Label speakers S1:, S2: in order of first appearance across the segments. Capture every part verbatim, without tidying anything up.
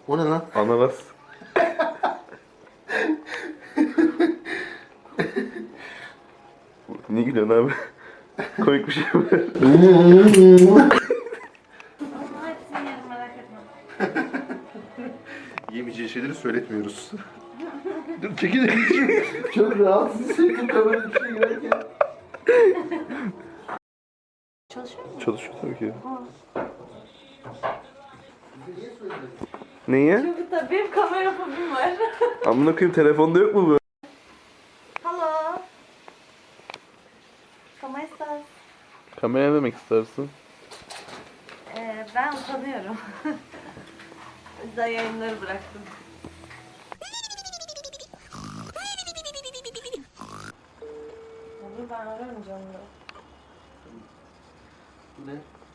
S1: O ne lan?
S2: Ananas. Niye gülüyorsun abi? Komik bir şey mi?
S1: Yemeyeceği şeyleri söyletmiyoruz. Dur çekil. Çok rahatsız hissettim kameranın içine girerken.
S3: Çalışıyor mu?
S2: Çalışıyor tabii ki. Neyi?
S3: Çünkü tabii benim kamera fobim var.
S2: Amına koyayım, telefonda yok mu bu?
S3: Hello. ¿Cómo estás?
S2: Kamera demek istersin?
S3: Ee, ben utanıyorum. O yüzden yayınları bıraktım. Dur ben ararım canını.
S1: Bu ne?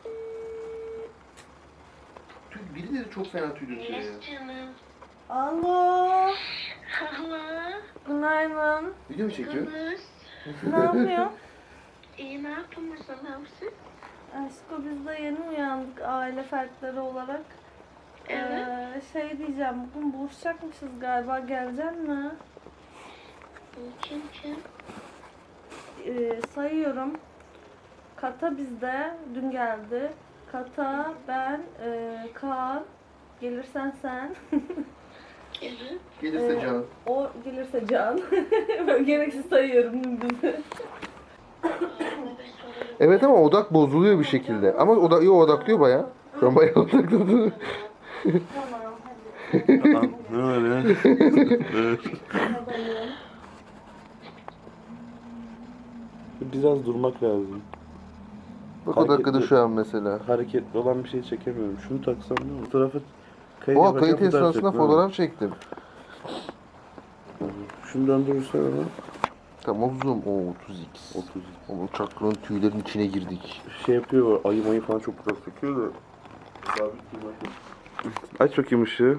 S1: Tüy, birileri çok fena tüy döküyor ya.
S4: Yes canım.
S3: Alo.
S4: Hala.
S3: Günaydın.
S1: Video mu çekiyor?
S4: Kız.
S3: Ne yapıyorsun?
S4: İyi ne yaptın sen hamsi?
S3: Aşko biz de yeni uyandık aile fertleri olarak.
S4: Evet.
S3: Ee, şey diyeceğim, bugün buluşacakmışız galiba, gelecek mi?
S4: Kim kim?
S3: Ee, sayıyorum. Kata bizde, dün geldi. Kata, ben, e, Kaan, gelirsen sen.
S4: Gelir.
S1: Gelirse
S3: Ee,
S1: Can.
S3: O gelirse Can. Böyle gereksiz sayıyorum dümdüz.
S1: Evet ama odak bozuluyor bir şekilde. Ama odak, yo, odaklıyor bayağı. Ben bayağı odakladım.
S3: Tamam hadi.
S2: Ne var ya?
S3: Hadi.
S2: Biraz durmak lazım.
S1: Bak o dakikada şu an mesela.
S2: Hareketli olan bir şey çekemiyorum. Şunu taksam ne olur? Fotoğrafı kayıt
S1: Oha
S2: yaparken
S1: kayıt
S2: fotoğraf
S1: esnasında
S2: çekmem.
S1: fotoğraf çektim.
S2: Şunu döndürürsen ama.
S1: Tamam zoom. Oo otuz x.
S2: otuz.
S1: Oğlum çakranın tüylerin içine girdik.
S2: Şey yapıyor, ayı mayı falan çok güzel söküyor da. Sabit durmak. Aç bakayım ışığı.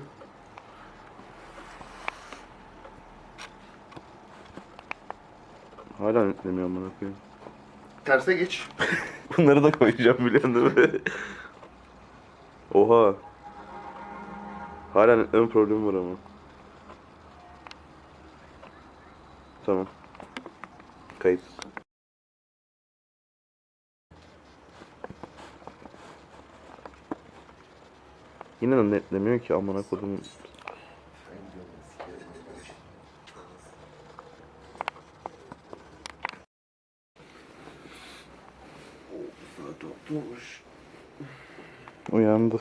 S2: Hala netlemiyorum bana koyayım.
S1: Terse geç.
S2: Bunları da koyacağım biliyorsun değil mi? Oha. Hala netleme problemi var ama. Tamam. Kayıt. Yine de netlemiyor ki amına kodum. Uyandı.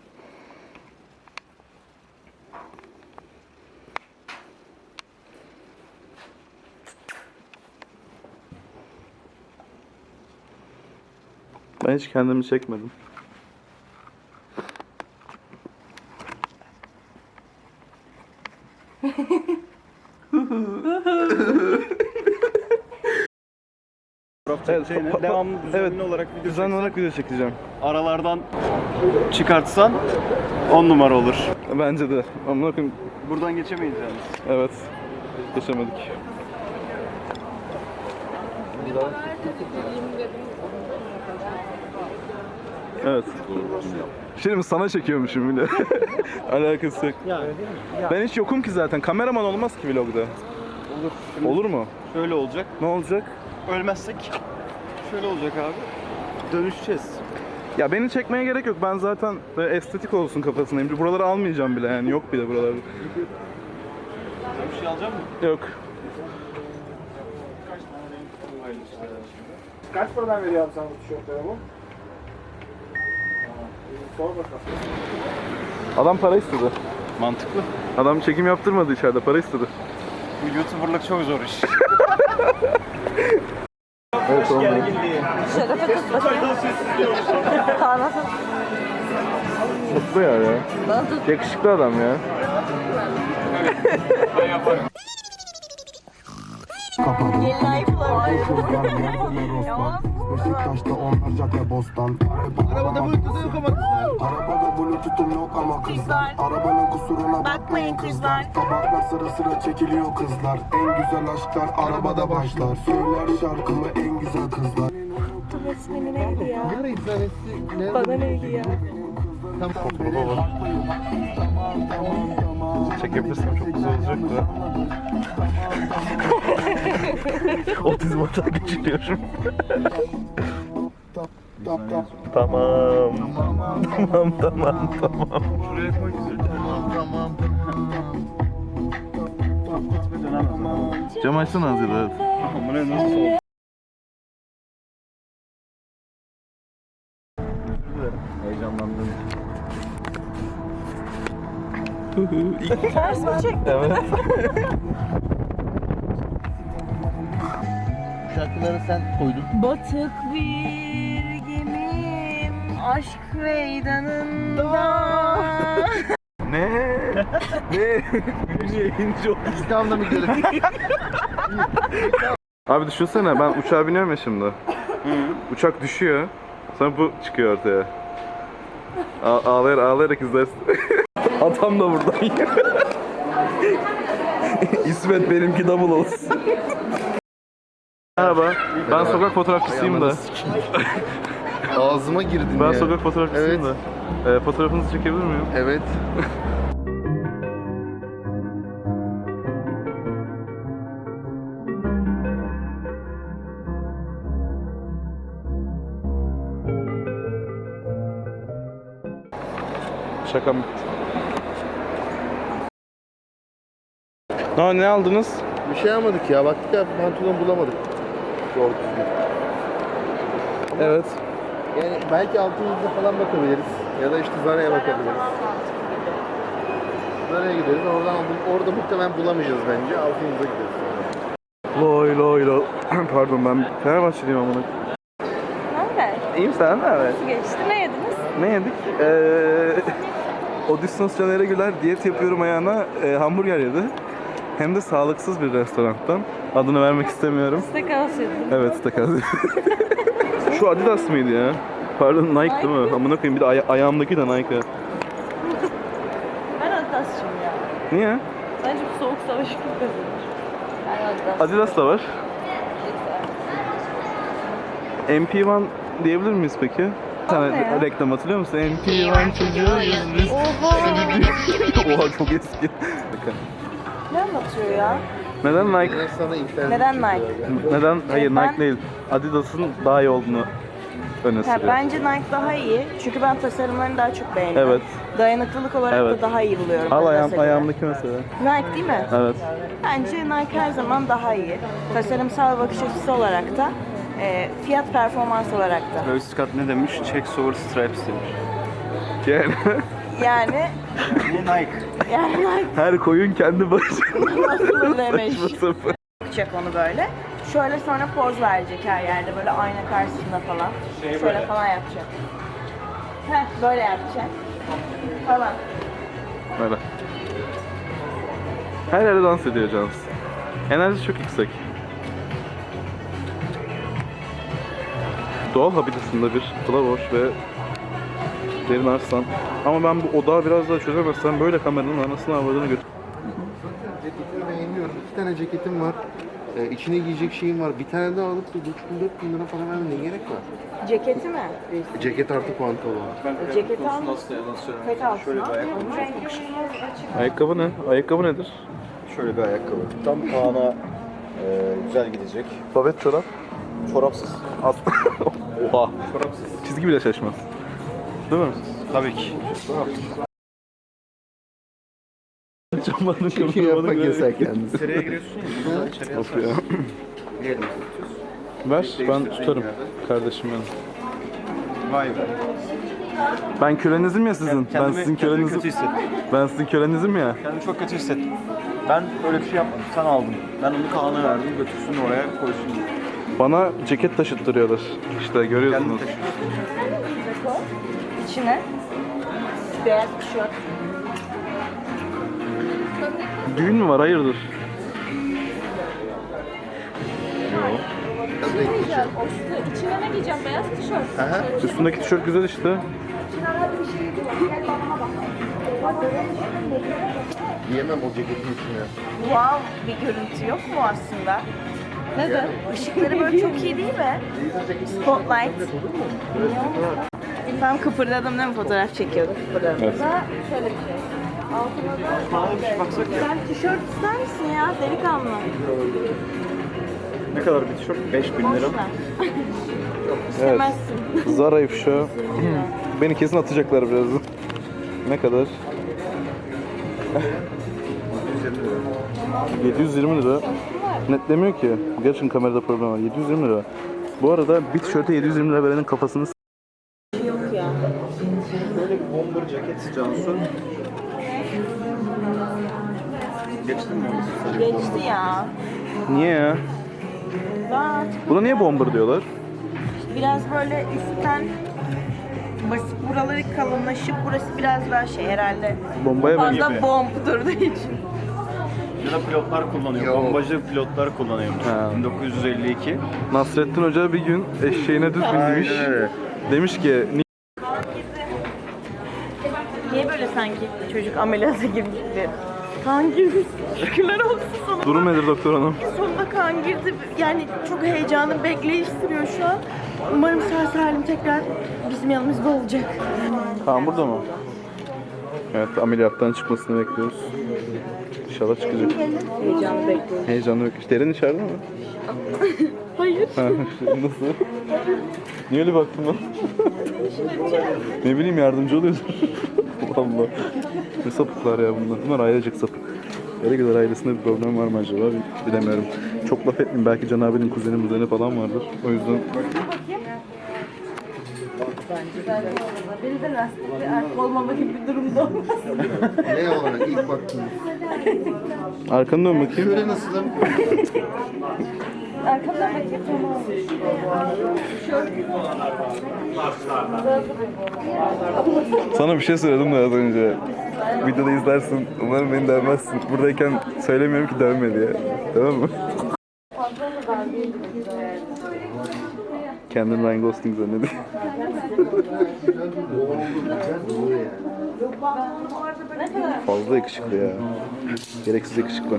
S2: Ben hiç kendimi çekmedim.
S5: Evet, şeyine,
S2: pa- pa-
S5: devamlı düzenli
S2: evet,
S5: olarak video
S2: Düzenli
S5: çeksen,
S2: olarak video çekeceğim.
S5: aralardan çıkartsan on numara olur.
S2: Bence de. Amına koyayım.
S5: Buradan geçemeyiz yani.
S2: Evet. Geçemedik. Evet. Şimdi sana çekiyormuşum bile. Alakası yok. Ben hiç yokum ki zaten. Kameraman olmaz ki vlogda.
S5: Olur. Şimdi
S2: Olur mu?
S5: Şöyle olacak.
S2: Ne olacak?
S5: Ölmezsek şöyle olacak abi. Dönüşeceğiz.
S2: Ya beni çekmeye gerek yok. Ben zaten böyle estetik olsun kafasındayım. Buraları almayacağım bile yani. Yok bile buralarda.
S5: Sen bir şey alacak mısın?
S2: Yok.
S6: Kaç paradan veriyor abi sana bu tişörtlere bu? Sor bakalım.
S2: Adam para istedi.
S5: Mantıklı.
S2: Adam çekim yaptırmadı içeride. Para istedi.
S5: Bu YouTuber'lık çok zor iş.
S1: Evet oğlum.
S3: Şerefe tut bakayım. Kaan nasıl?
S2: Mutlu ya ya.
S3: Bana tut.
S2: Yakışıklı adam ya.
S3: Gelin ayıplar.
S7: Beşiktaş'ta onlarca ke bostan. Arabada bluetooth yok ama kızlar. Arabada bluetooth'um yok ama kızlar. Arabanın kusuruna bakmayın kızlar. Tabaklar sıra sıra çekiliyor kızlar. En güzel aşklar arabada başlar. Söyler şarkımı en güzel kızlar.
S3: Resmini neydi ya? Bana neydi ya?
S2: Çekebilirsem çok güzel olacak da. Otizm hata geçiriyorum. Tamam. Tamam tamam tamam.
S5: Şuraya koy güzel. Tamam tamam. Gitme dönemez.
S2: Cam açsana Azir evet.
S5: Bu ne nasıl oldu? Heyecanlandım.
S3: Ters mi çektin?
S2: Evet.
S1: Şarkıları sen koydun.
S3: Batık bir gemim aşk meydanında.
S2: Ne? Ne? Gülünce yayıncı oldu.
S1: İslam'da mı gidelim?
S2: Abi düşünsene ben uçağa biniyorum ya şimdi. Uçak düşüyor. Sonra bu çıkıyor ortaya. A- ağlayarak, ağlayarak izlersin. Atam da burada. İsmet benimki double olsun. Merhaba. Ben sokak fotoğrafçısıyım da.
S1: Ağzıma girdin
S2: Ben
S1: ya.
S2: sokak fotoğrafçısıyım
S1: Evet.
S2: da. Ee, fotoğrafınızı çekebilir miyim?
S1: Evet.
S2: Şakam bitti. Ne, ne aldınız?
S1: Bir şey almadık ya. Baktık ya pantolon bulamadık. Doğru düzgün.
S2: Evet.
S1: Yani belki altımızda falan bakabiliriz. Ya da işte Zara'ya bakabiliriz. Zara'ya gideriz. Oradan aldım. Orada muhtemelen bulamayacağız bence. Altımıza gideriz sonra.
S2: Loy loy loy. Pardon ben Fenerbahçeliyim amına.
S3: Ne haber?
S2: İyiyim sen ne haber?
S3: Nasıl geçti? Ne yediniz?
S2: Ne yedik? Ee, Odysseus Caner Güler diyet yapıyorum ayağına e, hamburger yedi. Hem de sağlıksız bir restorandan. Adını vermek istemiyorum.
S3: Steakhouse yediniz.
S2: Evet, takas. Şu Adidas mıydı ya? Pardon Nike değil mi? Amına koyayım bir de aya- ayağımdaki de Nike.
S3: Ben Adidas'cıyım ya.
S2: Niye?
S3: Bence bu soğuk savaşı kim kazanır? Ben Adidas.
S2: Adidas da var. M P bir diyebilir miyiz peki? Bir tane
S3: ne ya?
S2: reklam hatırlıyor musun? M P bir çocuğuyuz biz.
S3: Oha!
S2: Oha çok eski. Bakın.
S3: Ne anlatıyor ya?
S2: Neden Nike?
S1: Yine sana internet
S3: Neden
S1: çekiyor
S3: Nike?
S1: ya.
S2: Neden? Hayır
S3: Ben-
S2: Nike değil. Adidas'ın daha iyi olduğunu öne
S3: Ha,
S2: sürüyor.
S3: bence Nike daha iyi. Çünkü ben tasarımlarını daha çok beğeniyorum.
S2: Evet.
S3: Dayanıklılık olarak
S2: Evet.
S3: da daha iyi buluyorum.
S2: Al ayağım,
S3: Adidas'a göre.
S2: ayağımdaki mesela.
S3: Nike değil mi?
S2: Evet.
S3: Bence Nike her zaman daha iyi. Tasarımsal bakış açısı olarak da, e, fiyat performans olarak da.
S5: Travis Scott ne demiş? Checks over stripes demiş.
S2: Yani
S3: Yani
S5: Bu Nike.
S3: yani Nike
S2: her koyun kendi başına.
S3: nasıl demiş.
S2: Saçma sapan.
S3: Yapacak onu böyle. Şöyle sonra poz verecek her yerde böyle ayna karşısında falan. Şöyle falan yapacak. Heh, böyle yapacak. Falan.
S2: Böyle. Her yerde dans ediyor Cansu. Enerji çok yüksek. Doğal habitatında bir Flavorş ve Derin Arslan. Ama ben bu odağı biraz daha çözemezsem böyle kameranın anasını avradını götür.
S1: Ceketimi beğeniyorum. İki tane ceketim var. Ee, içine giyecek şeyim var. Bir tane daha alıp da üç bin dört bin lira falan vermeye ne gerek var?
S3: Ceketi mi?
S1: Ceket artı pantolon.
S3: E, ceketi al. Pet altına. Onun rengi açık.
S2: Ayakkabı ne? Ayakkabı nedir?
S5: Şöyle bir ayakkabı. Tam Kaan'a e, güzel gidecek.
S2: Babet çorap.
S5: Çorapsız.
S2: At. Oha.
S5: Çorapsız.
S2: Çizgi bile şaşmaz. Değil mi?
S5: Tabii ki.
S2: Camlarını
S1: Çünkü yapmak yasak yalnız.
S5: İçeriye giriyorsun ya. Buradan içeriye
S2: Of ya. Ver ben tutarım kardeşim benim.
S5: Vay be.
S2: Ben kölenizim ya sizin. Ben
S5: Kendimi-
S2: sizin
S5: kendimi
S2: kölenizim.
S5: kötü hissettim.
S2: Ben sizin kölenizim ya.
S5: Kendimi çok kötü hissettim. Ben öyle bir şey yapmadım. Sen aldın. Ben onu Kaan'a verdim. Götürsün oraya koysun.
S2: Bana ceket taşıttırıyorlar. İşte
S5: Kendin
S2: görüyorsunuz.
S5: taşı.
S3: İçine beyaz tişört.
S2: Düğün mü var? Hayırdır?
S3: İçine ne giyeceğim? Beyaz tişört.
S1: Aha.
S2: Üstündeki tişört güzel işte.
S1: Giyemem o ceketin içine.
S3: Wow bir görüntü yok mu aslında? Neden? Işıkları böyle çok iyi değil mi? Spotlight. Tam kıpırdadım değil mi? Fotoğraf çekiyordum. Kıpırdadım.
S2: Evet.
S3: Da şöyle bir şey. Altına da
S5: Pahalı bir şey baksak ya.
S3: sen tişört ister misin ya? Delikanlı.
S5: Ne kadar bir tişört? beş bin lira.
S3: Boş ver. İstemezsin.
S2: Zara ifşa. Beni kesin atacaklar birazdan. Ne kadar? yedi yüz yirmi lira. Netlemiyor ki. Gerçekten kamerada problem var. yedi yüz yirmi lira. Bu arada bir tişörte yedi yüz yirmi lira verenin kafasını s-
S3: Yok ya.
S5: Böyle bir bomber ceket Cansu. Geçtin mi orası?
S3: Geçti ya.
S2: Niye ya?
S3: Ben artık
S2: Buna niye bomber diyorlar?
S3: biraz böyle üstten basit buraları kalınlaşıp burası biraz daha şey herhalde.
S2: Bombaya
S3: Fazla
S2: benziyor.
S3: bomb durduğu için.
S5: Ya da pilotlar kullanıyor.
S1: Yok.
S5: Bombacı pilotlar kullanıyormuş.
S2: Ha.
S5: bin dokuz yüz elli iki.
S2: Nasrettin Hoca bir gün eşeğine düz binmiş.
S5: Aynen öyle.
S2: Demiş ki "Ni-
S3: Niye böyle sanki çocuk ameliyata girmişti? Kan girdi. Şükürler olsun sana.
S2: durum nedir doktor hanım?
S3: Sonunda kan girdi. Yani çok heyecanlı bekleyiş sürüyor şu an. Umarım sağ salim tekrar bizim yanımızda olacak.
S2: Kaan burada mı? Evet, ameliyattan çıkmasını bekliyoruz. İnşallah çıkacak.
S3: Heyecanlı bekliyorum.
S2: Heyecanlı bekliyoruz. Derin içeride mi?
S3: Hayır.
S2: Ha, nasıl? Niye öyle baktın lan? Ne bileyim, yardımcı oluyordur. Allah Allah. Ne sapıklar ya bunlar. Bunlar ailecek sapık. Yarıgılar ailesinde bir problem var mı acaba? Bilemiyorum. Çok laf etmeyeyim. Belki Can abinin kuzeni muzeni falan vardır. O yüzden...
S3: Beni de lastikli erkek olmama gibi bir durumda olmaz.
S1: Ne olarak ilk baktığınız?
S2: Arkanı dön bakayım.
S1: Şöyle nasılım?
S3: Arkamdan bakayım tamam.
S2: Sana bir şey söyledim de az önce. Videoda izlersin. Umarım beni dövmezsin. Buradayken söylemiyorum ki dövme diye. Tamam mı? Kendini Ryan Gosling zannediyor. Fazla yakışıklı ya. Gereksiz yakışıklı.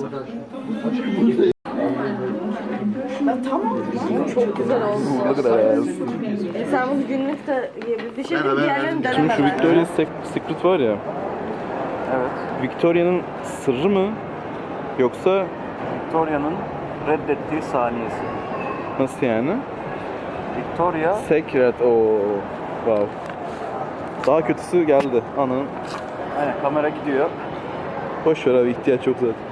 S3: Çok güzel oldu.
S2: Ne kadar ya.
S3: Sen bunu günlük de yiyebilirsin. Şimdi
S1: Ben- ben-
S3: diğerlerini
S2: Şimdi
S3: deneme
S2: şu
S3: ben.
S2: Victoria's Secret var ya.
S5: Evet.
S2: Victoria'nın sırrı mı? Yoksa
S5: Victoria'nın reddettiği saniyesi.
S2: nasıl yani?
S5: Victoria
S2: Secret. Oo. Wow. Daha kötüsü geldi. Ananın.
S5: aynen kamera gidiyor.
S2: Boş ver abi, ihtiyaç yok zaten.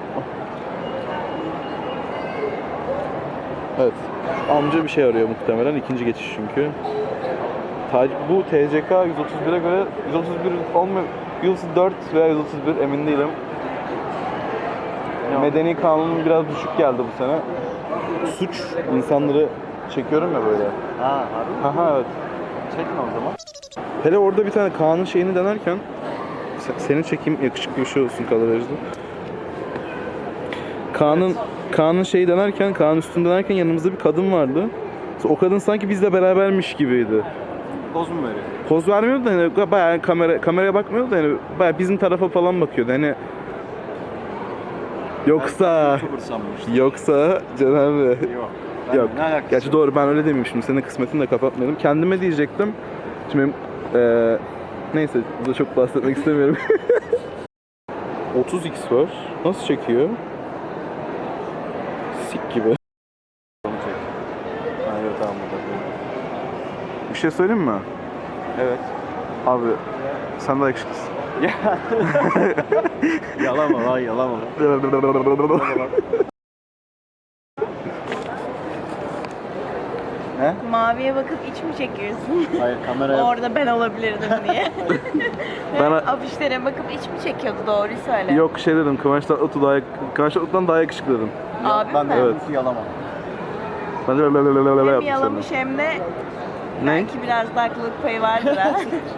S2: Evet. Amca bir şey arıyor muhtemelen. İkinci geçiş çünkü. Ta- Bu T C K yüz otuz bire göre yüz otuz bir olmuyor. yüz otuz dört veya yüz otuz bir emin değilim. Medeni kanunun biraz düşük geldi bu sene. Suç insanları çekiyorum ya böyle.
S5: Ha harbi mi?
S2: Aha evet.
S5: Çekme o zaman.
S2: Hele orada bir tane Kaan'ın şeyini denerken se- seni çekeyim, yakışıklı bir şey olsun kadrajda. Kaan'ın Kaan'ın şeyi denerken, Kaan üstünü denerken yanımızda bir kadın vardı. O kadın sanki bizle berabermiş gibiydi.
S5: Poz mu veriyor?
S2: Poz vermiyordu da hani bayağı kamera kameraya bakmıyordu da hani bayağı bizim tarafa falan bakıyordu. Hani yoksa
S5: YouTuber sanmıştım.
S2: yoksa Can abi.
S5: Yok. Ben
S2: Yok.
S5: Ne alakası
S2: Gerçi
S5: var?
S2: doğru, ben öyle demeyeyim şimdi. Senin kısmetini de kapatmayalım. Kendime diyecektim. Şimdi benim, eee, neyse burada çok bahsetmek istemiyorum. otuz x var. Nasıl çekiyor? Sik gibi.
S5: Onu çek. Ha evet tamam burada.
S2: Bir şey söyleyeyim mi?
S5: Evet.
S2: Abi sen de yakışıklısın.
S5: Yalama lan yalama. He?
S3: Maviye bakıp iç mi çekiyorsun?
S5: Hayır kameraya.
S3: Orada ben olabilirdim diye.
S2: Ben-
S3: Afişlere bakıp iç mi çekiyordu, doğruyu söyle.
S2: Yok şey dedim, Kıvanç Tatlıtuğ daha, Kıvanç Tatlıtuğ'dan daha yakışıklı dedim.
S3: Abim
S5: Ben
S3: mi?
S5: de
S2: Evet.
S5: evet. Yalama.
S2: Ben de
S3: Hem
S2: yaptım
S3: yalamış hem de
S2: Ne?
S3: belki biraz da haklılık payı vardır ha.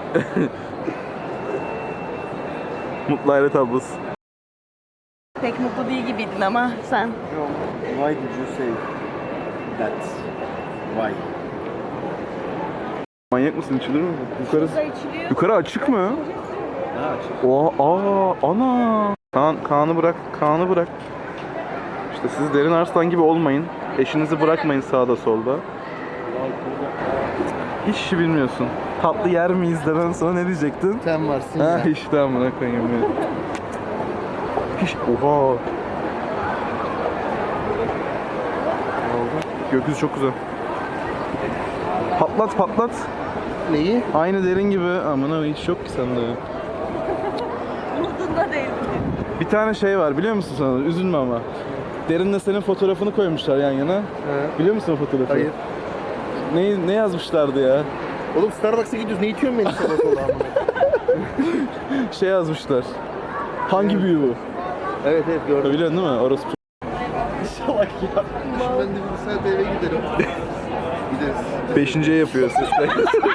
S2: Mutlu aile tablosu.
S3: Pek mutlu değil gibiydin ama sen.
S5: Why did you say that? Why?
S2: Manyak mısın? İçilir mi? Yukarı,
S3: içiliyor.
S2: yukarı açık mı?
S5: Ne açık?
S2: Oha, aa, ana. Kaan, Kaan'ı bırak, Kaan'ı bırak. İşte siz Derin Arslan gibi olmayın. Eşinizi bırakmayın sağda solda. Hiç işi bilmiyorsun. Tatlı yer miyiz demeden sonra ne diyecektin?
S1: Sen varsın
S2: Ha
S1: ya.
S2: işte amına koyayım ya. Hiç oha. Gökyüzü çok güzel. Patlat patlat.
S1: Neyi?
S2: Aynı derin gibi. Amına hiç yok ki sende.
S3: Umudunda değil.
S2: Bir tane şey var biliyor musun sana? Üzülme ama. Derinle senin fotoğrafını koymuşlar yan yana.
S1: He.
S2: Biliyor musun o fotoğrafı?
S1: Hayır.
S2: Ne, ne yazmışlardı ya?
S1: Oğlum Starbucks'a gidiyoruz. Ne itiyorsun beni sabah sabah amına?
S2: Şey yazmışlar. Hangi büyü bu?
S1: Evet evet gördüm.
S2: Biliyorsun değil mi? Orası
S1: Şimdi ben de bir saat eve giderim. Gideriz.
S2: beşinciye yapıyor sesler.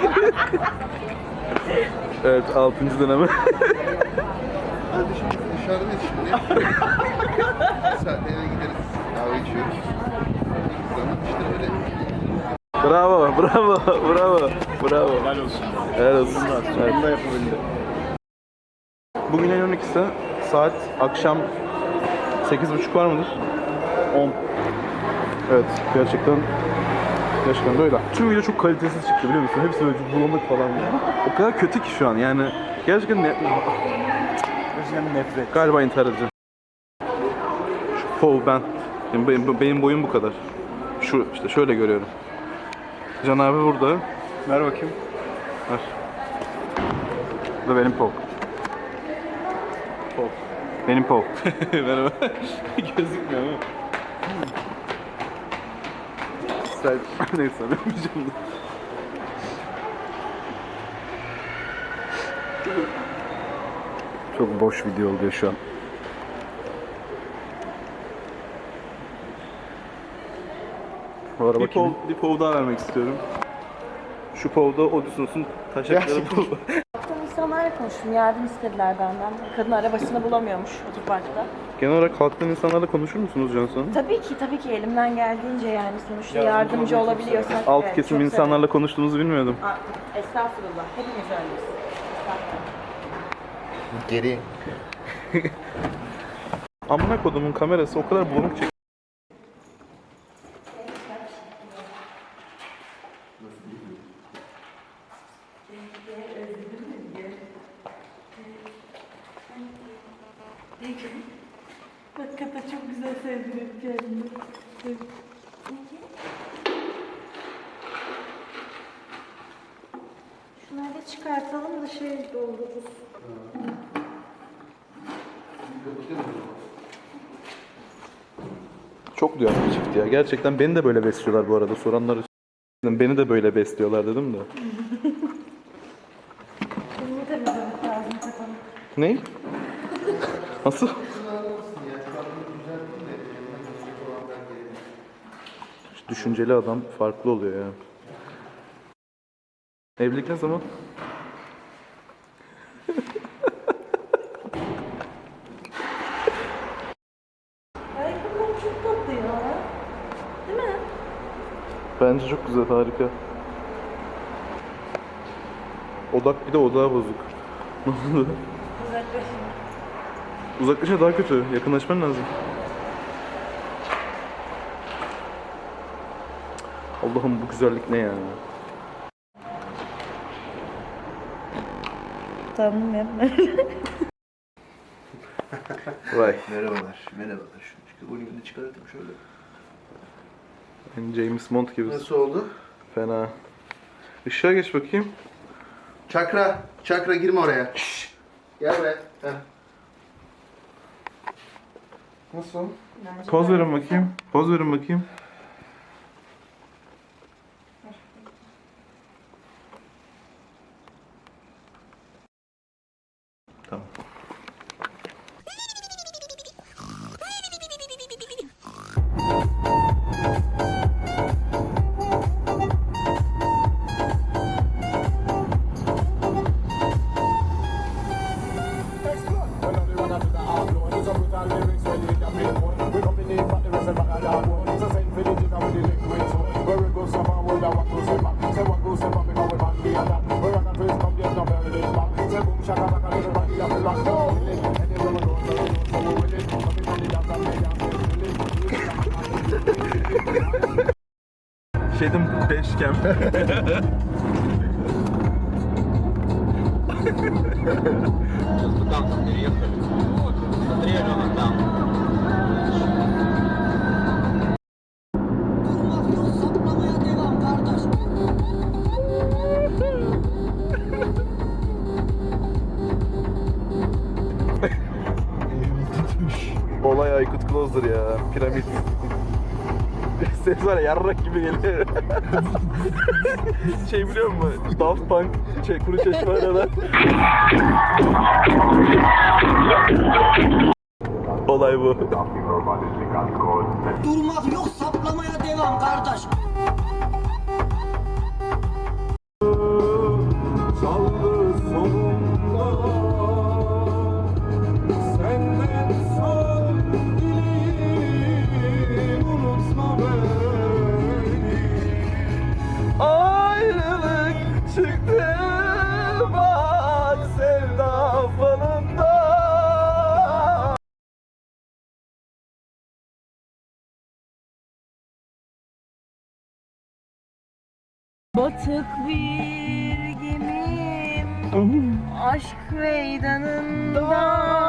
S2: Evet, altıncı deneme.
S1: Hadi şimdi dışarıdayız şimdi. Bir saat eve gideriz. Kahve içiyoruz. Zaman işte öyle.
S2: Bravo, bravo, bravo, bravo.
S5: Helal olsun.
S2: Helal olsun. Evet.
S5: Bunu da yapabildim.
S2: Bugün ayın on ikisi, saat akşam sekiz buçuk var mıdır?
S5: on.
S2: Evet, gerçekten gerçekten böyle. Tüm video çok kalitesiz çıktı biliyor musun? Hepsi böyle bulanık falan. O kadar kötü ki şu an yani. Gerçekten ne...
S5: Gerçekten nefret.
S2: Galiba intihar edeceğim. Şu pov ben. Benim, benim, benim boyum bu kadar. Şu işte şöyle görüyorum. Can abi burada.
S5: Ver bakayım.
S2: Ver. Bu da benim pov.
S5: Pov.
S2: Benim pov. Merhaba. Gözükmüyor ama. Sen... Neyse yapmayacağım da.
S5: Çok boş video oluyor şu an. Bu ara
S2: Bir pov,
S5: bakayım.
S2: bir pov daha vermek istiyorum. Şu povda Odysseus'un taşakları pov.
S3: Baktım insanlarla konuştum. Yardım istediler benden. Kadın arabasını bulamıyormuş otoparkta.
S2: Genel olarak halktan insanlarla konuşur musunuz Cansu?
S3: Tabii ki tabii ki elimden geldiğince yani sonuçta yardımcı olabiliyorsak.
S2: Alt
S3: evet,
S2: kesim
S3: çok
S2: insanlarla konuştuğunuzu bilmiyordum.
S3: severim. Aa, estağfurullah. Hepimiz öyleyiz. Estağfurullah.
S1: Geri.
S2: Amına kodumun kamerası o kadar bulanık çekiyor.
S3: Hakikaten çok güzel sevdim kendimi. Şunları da çıkartalım da şey doldururuz.
S2: Çok duyarlı çıktı ya. Gerçekten beni de böyle besliyorlar bu arada. Soranlar beni de böyle besliyorlar dedim de.
S3: Bunu temizlemek lazım kafanı.
S2: Ne? Nasıl? Düşünceli adam farklı oluyor ya. Evlilik ne zaman?
S3: Ayakkabılar çok tatlı ya. Değil mi?
S2: Bence çok güzel, harika. Odak bir de odağı bozuk. Ne oldu?
S3: Uzaklaşın.
S2: Uzaklaşınca daha kötü. Yakınlaşman lazım. Allah'ım bu güzellik ne ya?
S3: Tamam yapma.
S2: Vay.
S1: Merhabalar. Merhabalar. Şu volümünü çıkartayım şöyle.
S2: Yani James Bond gibi.
S1: Nasıl oldu?
S2: Fena. Işığa geç bakayım.
S1: Çakra. Çakra girme oraya. Şşş. Gel be. Heh. Nasıl?
S2: Poz verin bakayım. Poz verin bakayım. Tamam. Şeydim beşkem. Olay Aykut Closer ya. Piramit. Ses var ya yarrak gibi geliyor. Şey biliyor musun? Daft Punk şey, Kuru Çeşme arada. Olay bu.
S8: Durmak yok, saplamaya devam kardeş.
S7: Çaldı sonunda senden son dileğim unutma beni.
S2: Ayrılık çıktı bak sevda falında.
S3: Batık bir gemim aşk meydanında